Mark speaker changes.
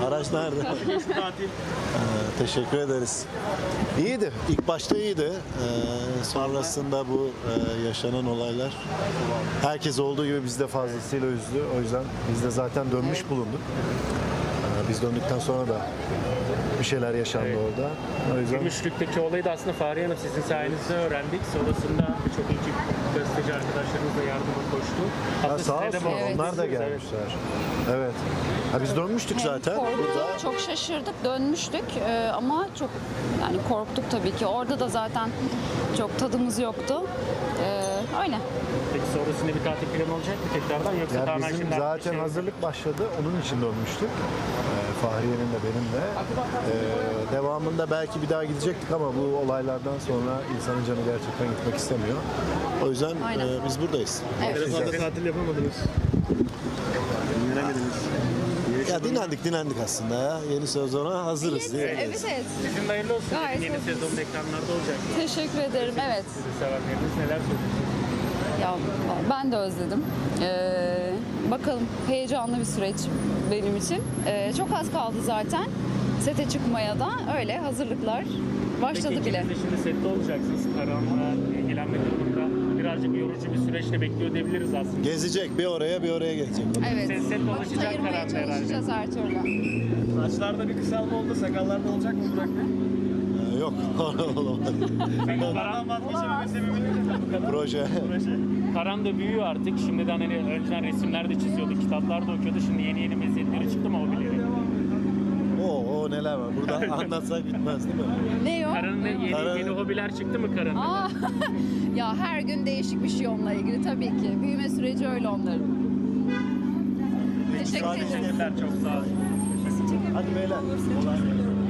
Speaker 1: Araç nerede?
Speaker 2: Tatil.
Speaker 1: Teşekkür ederiz. İyiydi. İlk başta iyiydi. Sonrasında bu yaşanan olaylar herkes olduğu gibi biz de fazlasıyla üzdü. O yüzden biz de zaten dönmüş bulunduk. Biz döndükten sonra da bir şeyler yaşandı orada. O yüzden
Speaker 2: Gümüşlük'teki olayı da aslında Fahriye Hanım sizin sayenizde öğrendik. Sonrasında birçok ekip gazeteci arkadaşlarımız da yardıma koştu.
Speaker 1: ha, sağ
Speaker 2: size de
Speaker 1: olsun
Speaker 2: bağlı.
Speaker 1: onlar da
Speaker 2: Evet.
Speaker 1: gelmişler. Evet. Ha, biz dönmüştük zaten.
Speaker 3: Korktuk,
Speaker 1: Burada
Speaker 3: çok şaşırdık, dönmüştük ama çok yani korktuk tabii ki. Orada da zaten çok tadımız yoktu. Öyle.
Speaker 2: Peki sonrasında bir tatil planı olacak mı tekrardan yoksa
Speaker 1: yani
Speaker 2: tamamen
Speaker 1: bizim
Speaker 2: şimdi artık
Speaker 1: zaten
Speaker 2: bir şey-
Speaker 1: hazırlık başladı. Onun için dönmüştük. Fahriye'nin de benim de. Devamında belki bir daha gidecektik ama bu olaylardan sonra insanın canı gerçekten gitmek istemiyor. O yüzden
Speaker 3: Aynen.
Speaker 1: biz buradayız.
Speaker 3: Evet.
Speaker 2: Fazla tatil yapamadınız. Dinlenemediniz.
Speaker 1: Ya dinlendik aslında ya. Yeni sezona hazırız değil mi?
Speaker 3: Evet.
Speaker 2: Sizin de hayırlı olsun.
Speaker 3: Gayet
Speaker 2: Yeni
Speaker 3: hoş.
Speaker 2: sezonun ekranlarda olacak.
Speaker 3: Teşekkür ederim. Evet.
Speaker 2: Sizi sevenleriniz neler söylüyorsunuz?
Speaker 3: Ya ben de özledim. Bakalım, heyecanlı bir süreç benim için. Çok az kaldı zaten. Sete çıkmaya da öyle hazırlıklar başladı
Speaker 2: Peki
Speaker 3: bile.
Speaker 2: ikiniz de şimdi sette olacaksınız. Karanlığa ilgilenmek durumunda. Birazcık yorucu bir süreçle bekliyor diyebiliriz aslında.
Speaker 1: Gezecek bir oraya bir oraya gelecek.
Speaker 3: Evet.
Speaker 2: Sen set
Speaker 3: Vakit
Speaker 2: dolaşacak
Speaker 3: ayırmaya
Speaker 2: herhalde.
Speaker 3: çalışacağız her türlü.
Speaker 4: Saçlarda bir kısalma oldu, sakallarda olacak mı Burak Bey?
Speaker 1: Yok olamadı.
Speaker 2: Karan,
Speaker 4: Vazgeçememe sebebi
Speaker 1: Proje.
Speaker 2: Karan da büyüyor artık. Şimdiden hani önceden resimler de çiziyordu, kitaplar da okuyordu. Şimdi yeni meziyetleri çıktı mı o bilir.
Speaker 1: O neler var. Burada anlatsak bitmez değil mi?
Speaker 3: Ne o?
Speaker 2: Karan'ın yeni,
Speaker 1: Karan-
Speaker 2: yeni hobiler çıktı mı Karan'ın?
Speaker 3: Aa, ya her gün değişik bir şey onunla ilgili tabii ki. Büyüme süreci öyle onların. Teşekkür ederim.
Speaker 2: Teşekkürler çok sağ olun.
Speaker 1: Hadi beyler.